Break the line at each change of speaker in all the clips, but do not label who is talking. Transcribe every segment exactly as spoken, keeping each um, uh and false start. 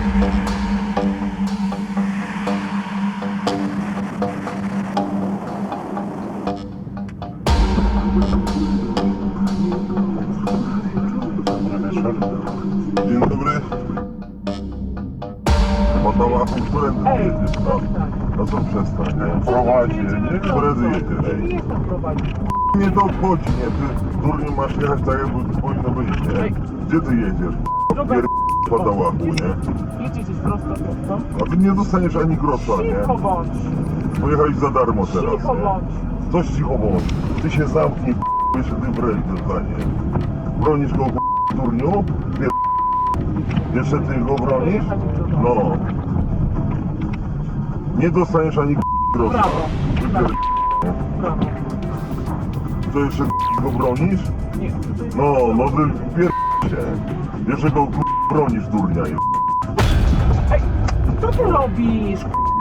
Dzień dobry. Podoba się, którędy jedziesz? No co przestań, nie? Prowadzi, nie? Którędy jedziesz?
Nie jestem prowadzić.
Nie to obchodzi, nie? Ty durnie masz jechać tak, jakby powinno być, nie? Gdzie ty jedziesz? Pier... po dałachu, nie?
Jedziesz prosto, prosto.
A ty nie dostaniesz ani grosza,
Cicho
nie?
bądź.
Pojechałeś za darmo teraz,
Cicho
nie?
bądź.
Coś cicho bądź. Ty się zamknij, jeszcze ty broni dostanie. Bronisz go, durniu? Pier... Jeszcze ty go bronisz? No. Nie dostaniesz ani grosza.
Brawo. Brawo. Brawo.
To jeszcze go bronisz?
Nie.
No, no ty pier... się. Jeszcze go bronisz, durnia.
Ej, co ty robisz?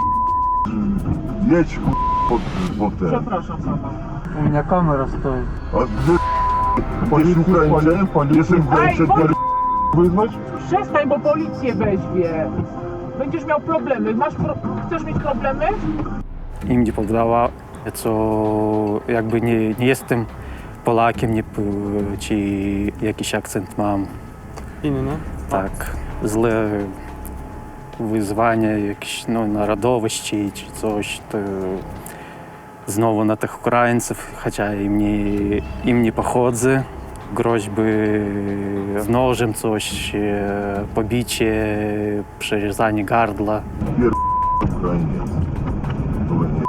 Jedź ku... pod, pod ten.
Przepraszam pana.
У меня камера стоит.
A ty... Jesteś Ukraińcem? Jesteś Ukraińcem,
Ej,
pier... wyzwać?
Przestań, bo policję weźmie. Będziesz miał problemy. Masz pro... Chcesz mieć problemy?
Im nie podobało, co jakby nie, nie jestem Polakiem, nie, p- czy jakiś akcent mam.
Inny?
Tak, złe wyzwanie jakieś no, narodowości czy coś, to znowu na tych Ukraińców, chociaż im nie, im nie pochodzę. Groźby z nożem coś, e, pobicie, przerezanie gardła.
Pier... Ukrainiec. Ale nie...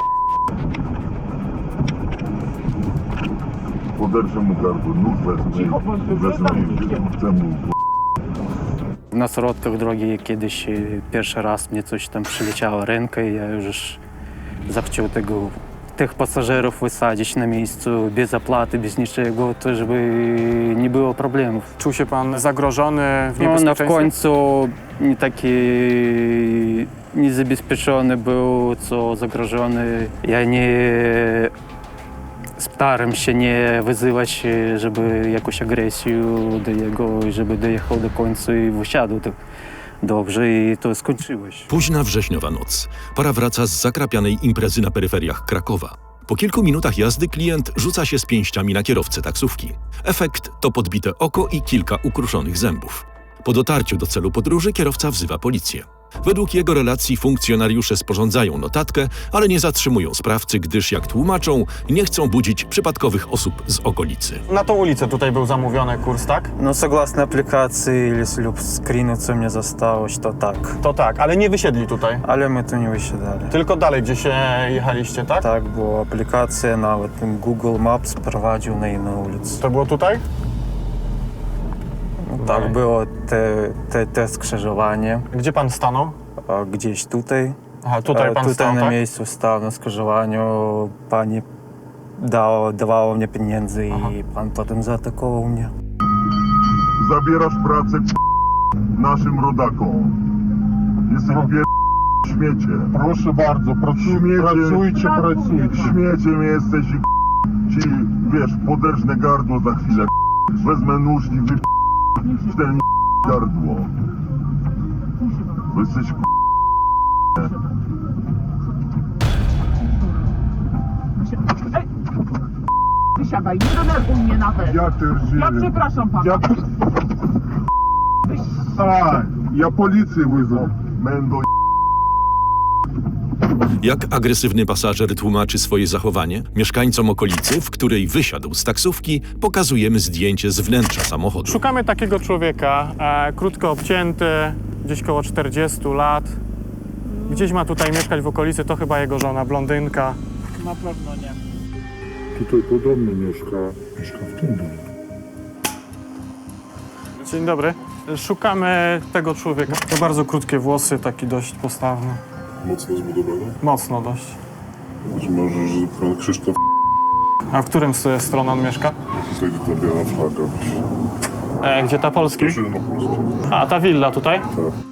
Poderczę mu gardło, nóż wezmę,
Cicho bądź,
wezmę
zamknij
i chcę mu...
Na środkach drogi kiedyś e, pierwszy raz mnie coś tam przyleciało rękę i ja już zachciał tego, tych pasażerów wysadzić na miejscu bez zapłaty, bez niczego, to żeby nie było problemów.
Czuł się pan zagrożony, w
No, na w
niebezpieczeństwie?
końcu nie taki niezabezpieczony był, co zagrożony. Ja nie staram się nie wyzywać, żeby jakąś agresję do jego, żeby dojechał do końca i wysiadł tak dobrze i to skończyło się.
Późna wrześniowa noc. Para wraca z zakrapianej imprezy na peryferiach Krakowa. Po kilku minutach jazdy klient rzuca się z pięściami na kierowcę taksówki. Efekt to podbite oko i kilka ukruszonych zębów. Po dotarciu do celu podróży kierowca wzywa policję. Według jego relacji funkcjonariusze sporządzają notatkę, ale nie zatrzymują sprawcy, gdyż, jak tłumaczą, nie chcą budzić przypadkowych osób z okolicy.
Na tą ulicę tutaj był zamówiony kurs, tak?
No, согласно aplikacji lub screenu, co mnie zostało, to tak.
To tak, ale nie wysiedli tutaj.
Ale my tu nie wysiadali.
Tylko dalej, gdzie się jechaliście, tak?
Tak, bo aplikacja nawet Google Maps prowadził na inną ulicę.
To było tutaj?
Tak, było te, te, te skrzyżowanie,
Gdzie pan stanął?
a gdzieś tutaj.
Aha, tutaj
A
pan
tutaj
stał,
na
tak?
miejscu stał na skrzyżowaniu, pani dała, dawała mnie pieniędzy i pan potem zaatakował mnie.
Zabierasz pracę naszym rodakom. Jesteś pier... śmiecie.
Proszę bardzo, pracuj, pracujcie, pracujcie.
Śmieciem jesteś i ci, wiesz, poderżnę gardło za chwilę. Wezmę nóż i wy... w ten gardło. Bo jesteś
Ej! Wysiadaj, nie denerwuj mnie nawet.
Ja pierdzielę.
Ja przepraszam pana.
Ja... A, ja policję wyzwę.
Mendo.
Jak agresywny pasażer tłumaczy swoje zachowanie, mieszkańcom okolicy, w której wysiadł z taksówki, pokazujemy zdjęcie z wnętrza samochodu.
Szukamy takiego człowieka, e, krótko obcięty, gdzieś koło czterdziestu lat. Gdzieś ma tutaj mieszkać w okolicy, to chyba jego żona, blondynka.
Na pewno nie.
Tutaj podobnie mieszka. Mieszka w tym domu.
Dzień dobry. Szukamy tego człowieka. To bardzo krótkie włosy, taki dość postawny.
Mocno zbudowany.
Mocno dość.
Być może, że pan Krzysztof
A w którym z stron on mieszka?
tutaj ta biała flaga.
E, gdzie ta Polski?
Proszę na Polsce.
A ta willa tutaj?
Tak.